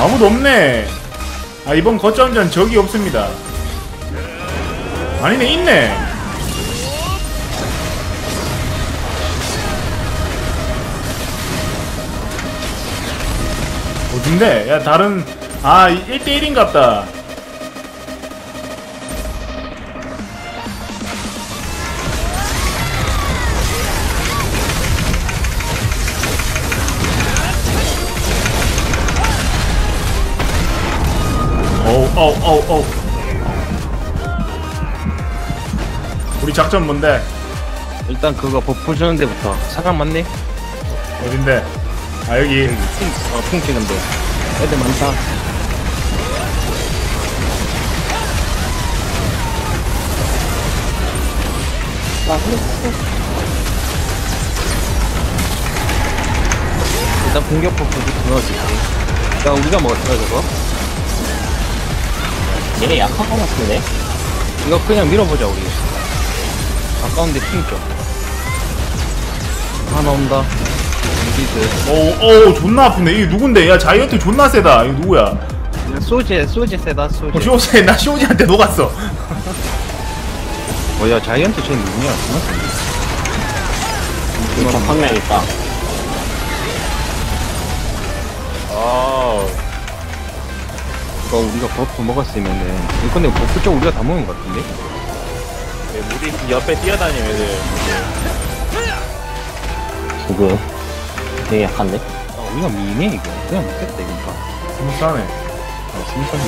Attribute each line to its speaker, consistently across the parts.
Speaker 1: 아무도 없네. 아, 이번 거점전 적이 없습니다. 아니네, 있네. 어딘데? 야, 다른, 아, 1대1인갑다. 어우. 우리 작전 뭔데?
Speaker 2: 일단 그거 버프 주는 데부터. 사람 많네?
Speaker 1: 어딘데? 아, 여기.
Speaker 2: 핑 찍은데. 애들 많다. 일단 공격 버프부터 넣어줄게. 야, 우리가 먹었어, 저거?
Speaker 3: 얘네 약한 거 같은데?
Speaker 2: 이거 그냥 밀어보자, 우리. 가까운데 핑 줘. 하나 온다. 미드.
Speaker 1: 어우, 존나 아프네. 이게 누군데? 야, 자이언트 존나 세다. 이거 누구야?
Speaker 2: 소제 세다, 소제.
Speaker 1: 쇼제, 나 쇼제한테 녹았어.
Speaker 2: 야, 자이언트 쟤 누구냐?
Speaker 3: 이거 판매 있다.
Speaker 2: 이거 우리가 버프 먹었으면은. 근데 버프 쪽 우리가 다 먹은 것 같은데?
Speaker 4: 우리 옆에 뛰어다니는 애들.
Speaker 3: 누구? 되게 약한데?
Speaker 2: 우리가 미네, 이거. 그냥 못했다, 이거.
Speaker 1: 스무스하네.
Speaker 2: 심상해.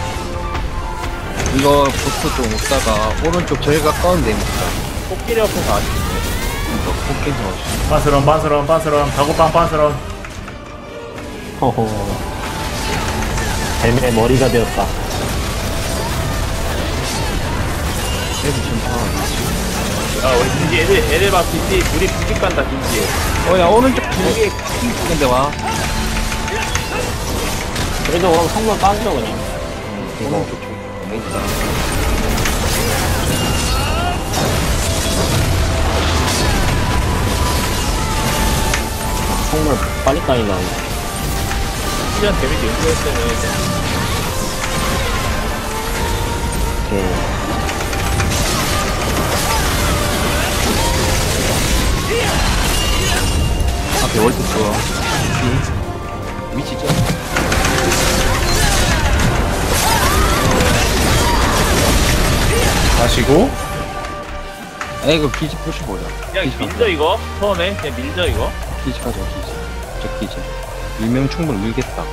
Speaker 2: 이거 버프 좀 먹다가 오른쪽 제일 가까운 데 먹자.
Speaker 4: 코끼리 옆에서 아쉽네.
Speaker 2: 이거 포켓 넣어주시.
Speaker 1: 빤스런. 다고빵 빤스런.
Speaker 3: 허허. 뱀의 머리가 되었다.
Speaker 2: 애들 좀 봐.
Speaker 4: 야, 우리 김지 애들 봐, 김지. 우리 부집 간다, 김지.
Speaker 2: 야, 오른쪽 두 개, 핑 쪽인데 와.
Speaker 3: 그래도 그럼 성분 빠져, 그냥. 이거.
Speaker 2: 오른쪽 쪽. 있다.
Speaker 3: 성물 빨리 까인다.
Speaker 4: 시간 데미지 연구했으면
Speaker 3: 오케이.
Speaker 2: 앞에 월드 좋아. 위치죠?
Speaker 1: 마시고.
Speaker 2: 아, 이거 기지 부셔보자.
Speaker 4: 야, 밀죠, 이거? 처음에? 그냥 밀죠, 이거?
Speaker 2: 기지 가자, 기지. 저 기지. 밀면 충분히 밀겠다.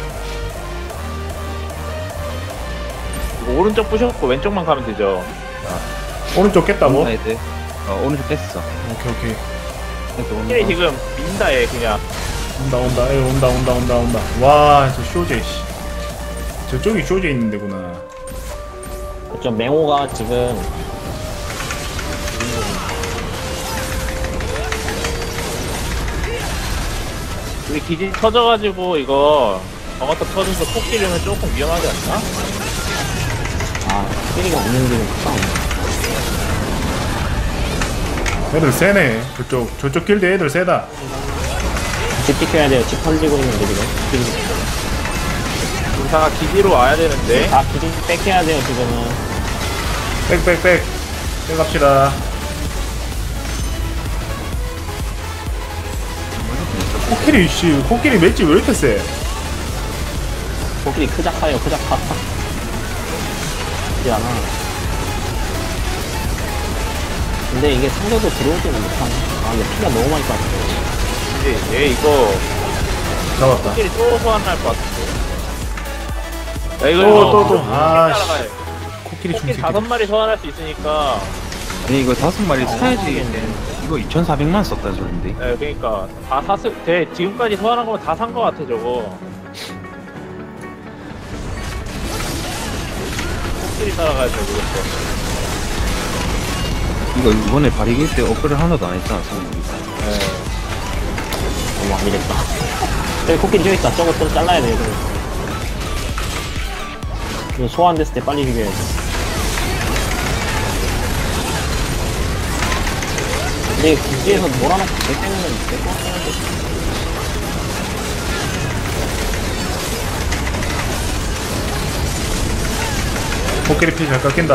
Speaker 4: 이거 오른쪽 부셨고 왼쪽만 가면 되죠.
Speaker 1: 오른쪽 깼다고?
Speaker 2: 애들. 오른쪽 뺐어.
Speaker 1: 오케이.
Speaker 2: 애들 온다.
Speaker 4: 코끼리 지금 민다, 얘, 그냥.
Speaker 1: 온다. 에이, 온다. 와, 저 쇼제, 씨. 저쪽이 쇼제 있는 데구나.
Speaker 3: 좀 맹호가 지금
Speaker 4: 우리 기지 터져가지고, 이거, 저것도 터져서 코끼리는 조금 위험하지 않나?
Speaker 3: 끼리가 없는 길은 싸움.
Speaker 1: 애들 세네. 저쪽 길드 애들 세다.
Speaker 3: 집 지켜야 돼요. 집 던지고 있는데 지금.
Speaker 4: 우리 다 기지로 와야 되는데.
Speaker 3: 다 기지 뺏겨야 돼요 지금은.
Speaker 1: 백 갑시다. 코끼리 맷집 왜 이렇게 세?
Speaker 3: 코끼리 크자카요 크자카. 그렇지 않아. 근데 이게 상대도 들어오지는 못하네. 근데 피가 너무 많이 빠졌어.
Speaker 4: 얘 이거
Speaker 1: 잡았다.
Speaker 4: 코끼리 또 소환할 것 같은데. 야, 이거
Speaker 1: 또. 아, 씨.
Speaker 4: 따라가요.
Speaker 1: 코끼리
Speaker 4: 코끼리
Speaker 1: 중새끼.
Speaker 4: 5마리 소환할 수 있으니까.
Speaker 2: 아니, 이거 5마리 사야지. 이거 2,400만 썼다는 소린데.
Speaker 4: 네, 그러니까 다 샀을 때 지금까지 소환한 거면 다 산 거 같아 저거. 코끼리 따라가야 돼 그것도.
Speaker 2: 이거 이번에 발익일 때 업그레이드 하나도 안 했잖아, 성분이.
Speaker 4: 네.
Speaker 3: 너무 안 되겠다. 저기 코끼리 저기 있다. 저거 또 잘라야 돼. 이거 소환됐을 때 빨리 죽여야 돼. 근데 기지에서 몰아놓고 배 때리면 될것 같긴 한데.
Speaker 1: 코끼리 피 잘 깎인다.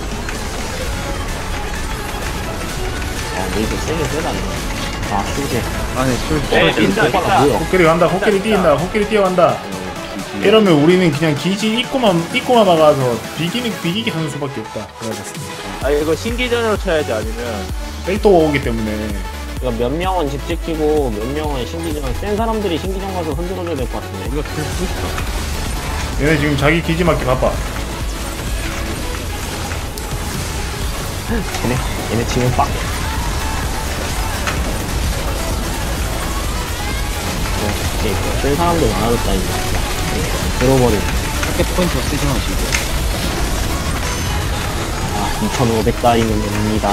Speaker 3: 레이저 세게 세다네. 아, 수제.
Speaker 2: 안에 술
Speaker 4: 네,
Speaker 2: 쏘지.
Speaker 4: 빈다, 빈다.
Speaker 3: 뭐야?
Speaker 1: 코끼리 간다. 코끼리 뛰인다. 코끼리 뛰어간다. 이러면 우리는 그냥 기지 입고만 막아서 비기기 하는 수밖에 없다. 그래야겠습니다.
Speaker 4: 아, 이거 신기전으로 쳐야지, 아니면.
Speaker 1: 백도가 오기 때문에.
Speaker 3: 이거 몇 명은 집 지키고 몇 명은 신기전 센 사람들이 신기전 가서 흔들어줘야 될 것 같은데.
Speaker 2: 우리가 술 쓰고 있어.
Speaker 1: 얘네 지금 자기 기지 맞기 바빠.
Speaker 3: 얘네 지금 빡. 센 사람들 많아졌다 이제. 들어버리고.
Speaker 2: 타겟 포인트 쓰지 마시고.
Speaker 3: 아, 2,500달이면 됩니다.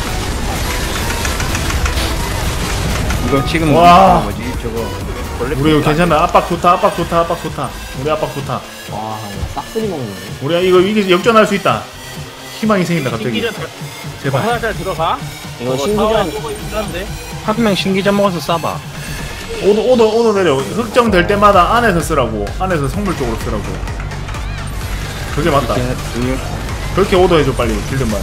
Speaker 2: 이거 지금
Speaker 1: 와.
Speaker 2: 뭐지 저거
Speaker 1: 우리 이거 괜찮아. 압박 좋다. 우리 압박 좋다.
Speaker 3: 와, 싹쓸이 먹네.
Speaker 1: 우리가 이게 역전할 수 있다. 희망이 생긴다 갑자기.
Speaker 4: 신기전
Speaker 1: 제발.
Speaker 4: 화살잘 들어가?
Speaker 3: 이거 신기전
Speaker 4: 조금 힘든데?
Speaker 2: 한 명 신기전 먹어서 싸봐.
Speaker 1: 오도 내려. 흑정될 때마다 안에서 쓰라고. 안에서 성물 쪽으로 쓰라고. 그게 맞다. 그렇게 오더 해줘 빨리. 길드만.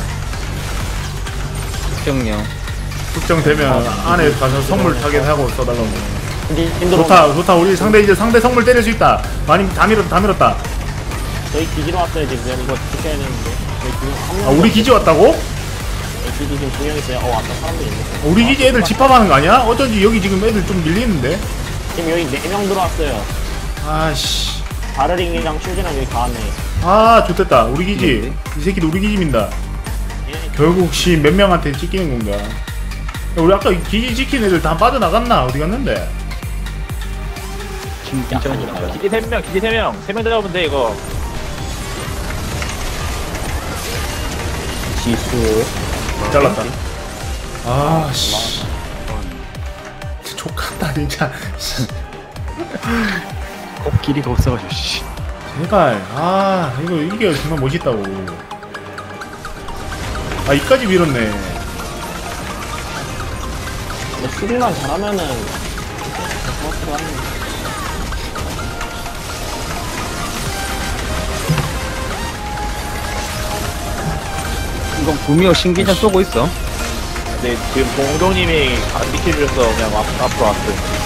Speaker 2: 특정령.
Speaker 1: 흑정되면 안에 가서 성물 타겟하고 써달라고.
Speaker 3: 힘들어.
Speaker 1: 좋다. 우리 상대 성물 때릴 수 있다. 많이 다 밀었다.
Speaker 3: 저희 기지로 왔어요 지금. 이거 지켜야 되는데. 저희 지금 한 명.
Speaker 1: 아, 우리 기지 왔다고?
Speaker 3: 저희 기지 지금 2명 있어요. 왔다 사람들 있네.
Speaker 1: 우리 기지 애들 집합하는 거 아니야? 어쩐지 여기 지금 애들 좀 밀리는데.
Speaker 3: 지금 여기 4명 들어왔어요.
Speaker 1: 아씨.
Speaker 3: 바르링이랑 슈즈랑 여기 다 왔네.
Speaker 1: 아 좋됐다. 우리 기지. 이 새끼들 우리 기지 민다. 결국 몇 명한테 찢기는 건가? 야, 우리 아까 기지 지킨 애들 다 빠져나갔나? 어디 갔는데?
Speaker 3: 약간이다.
Speaker 4: 기지 3명, 기지 3명. 3명 들어가면 돼, 이거.
Speaker 3: 지수.
Speaker 1: 잘랐다. 아씨. 족같다 진짜.
Speaker 2: 코끼리가 없어가지고 씨.
Speaker 1: 제발. 이게 정말 멋있다고. 이까지 밀었네.
Speaker 3: 근데 수비만 잘하면은 그렇게 하는.
Speaker 2: 이거 구미호 신기전 쏘고 있어.
Speaker 4: 근데 지금 공동님이 안 비켜주셔서 그냥 앞으로 왔어요.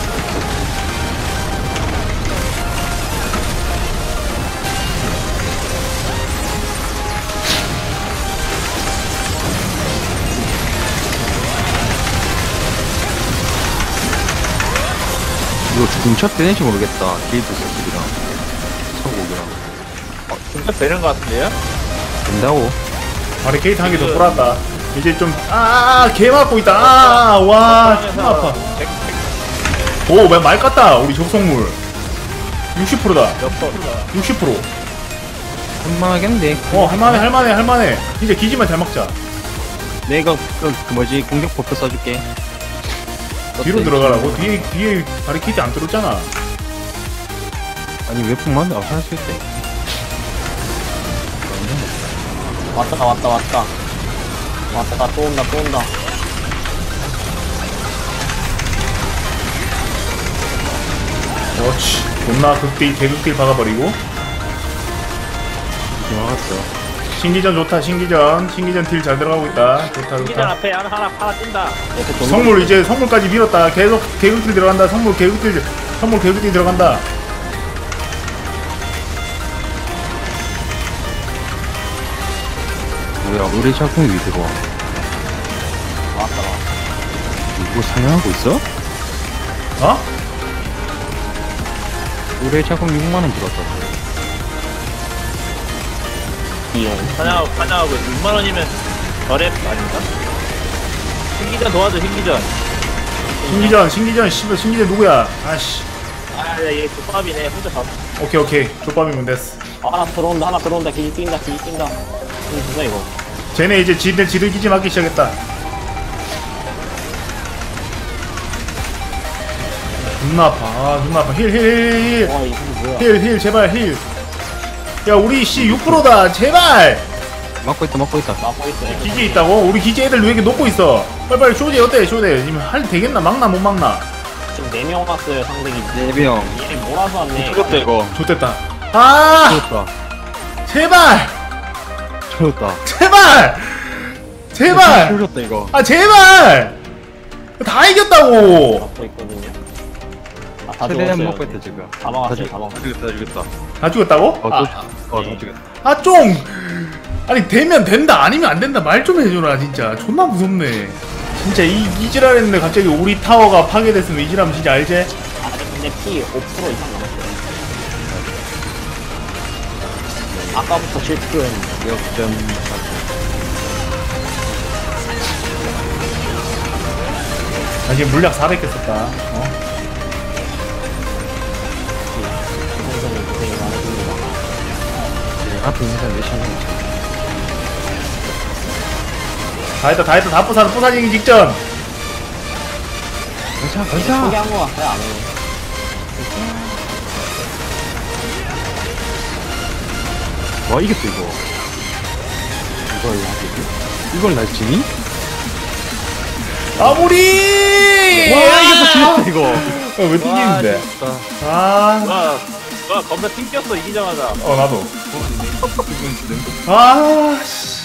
Speaker 2: 이거 중첩 되는지 모르겠다. 길드 스킬이랑 서곡이랑
Speaker 4: 진짜 되는 것 같은데요?
Speaker 2: 된다고.
Speaker 1: 바리케이트 한 개 더 뿌렸다. 이제 좀 개 맞고 있다. 와 존나 아파. 오 말 같다. 우리 접속물 60%다.
Speaker 4: 몇 번?
Speaker 1: 60%.
Speaker 2: 할만하겠는데.
Speaker 1: 할만해. 이제 기지만 잘 막자.
Speaker 2: 내가 그 뭐지 공격 버프 써줄게.
Speaker 1: 뒤로 들어가라고? 뒤에 바리케이트 안 뚫었잖아.
Speaker 2: 아니 웹폰만 할 수 있대.
Speaker 3: 왔다 또 온다.
Speaker 1: 그렇지. 존나 개극딜 박아버리고.
Speaker 2: 이렇게 막았어.
Speaker 1: 신기전 좋다. 신기전 딜 잘 들어가고 있다.
Speaker 4: 기전
Speaker 1: 좋다.
Speaker 4: 앞에 하나 뛴다.
Speaker 1: 성물 이제 성물까지 밀었다. 계속 개극딜 들어간다. 성물 개극딜 들어간다.
Speaker 2: 뭐야 우리 작품이 왜 들어와?
Speaker 3: 왔다.
Speaker 2: 이거 사냥하고 있어?
Speaker 1: 어?
Speaker 2: 우리 작품 6만원 들어왔다.
Speaker 3: 이용.
Speaker 4: 사냥하고 6만원이면 저랩 아닌가? 신기전 도와줘, 신기전.
Speaker 1: 신기전 누구야? 아씨.
Speaker 4: 얘 족밥이네. 혼자 잡.
Speaker 1: 오케이. 족밥이면 됐어.
Speaker 3: 하나 들어온다. 기지 뛴다. 이거 누가 이거?
Speaker 1: 쟤네 이제 지들 기지 맞기 시작했다. 존나 아파. 힐.
Speaker 3: 와 이거 뭐야?
Speaker 1: 힐 제발 힐. 야 우리 6%다 제발.
Speaker 2: 막고 있다.
Speaker 3: 막고 있어.
Speaker 1: 기지 있다고? 우리 기지 애들 왜 이렇게 녹고 있어? 빨리 쇼제 어때? 지금 할 되겠나? 막나 못 막나?
Speaker 3: 지금 4명 왔어요 상대 기지.
Speaker 2: 4명.
Speaker 3: 얘 몰아서 왔네.
Speaker 2: 죽었다 이거.
Speaker 1: 좋됐다.
Speaker 2: 죽었다.
Speaker 1: 제발.
Speaker 2: 터졌다.
Speaker 1: 제발! 제발!
Speaker 2: 터졌다 이거.
Speaker 1: 아 제발! 다 이겼다고!
Speaker 3: 막고 있거든요. 아, 다
Speaker 2: 최대한
Speaker 3: 죽었어요.
Speaker 2: 먹고 있다 지금.
Speaker 3: 다 막았어요, 다 막았어요.
Speaker 2: 죽였다 죽였다.
Speaker 1: 다 죽었다고?
Speaker 2: 어, 더 죽였다.
Speaker 1: 아 좀! 아니 되면 된다 아니면 안 된다 말 좀 해줘라 진짜 존나 무섭네 진짜 이지랄 했는데 갑자기 우리 타워가 파괴됐으면 이지랄하면 진짜 알지?
Speaker 3: 아, 근데 피 5% 이상 남았어요. 아까부터 7%였는데.
Speaker 2: 역전.
Speaker 1: 나 지금 물약 400개 썼다 어?
Speaker 3: 선생님 고생이 많으십니다.
Speaker 2: 앞에 있는 사람 몇이냐.
Speaker 1: 다 했다 다 부사지기 직전
Speaker 2: 가자.
Speaker 3: 포기한 거 같아요, 안 해요.
Speaker 2: 와 이겼어 이거. 이걸 날 지니?
Speaker 1: 마무리!
Speaker 2: 와 이겼어 지렸다 이거.
Speaker 1: 왜 튕기는데? 아,
Speaker 4: 와 겁나 튕겼어 이기자마자.
Speaker 1: 나도. 아, 씨.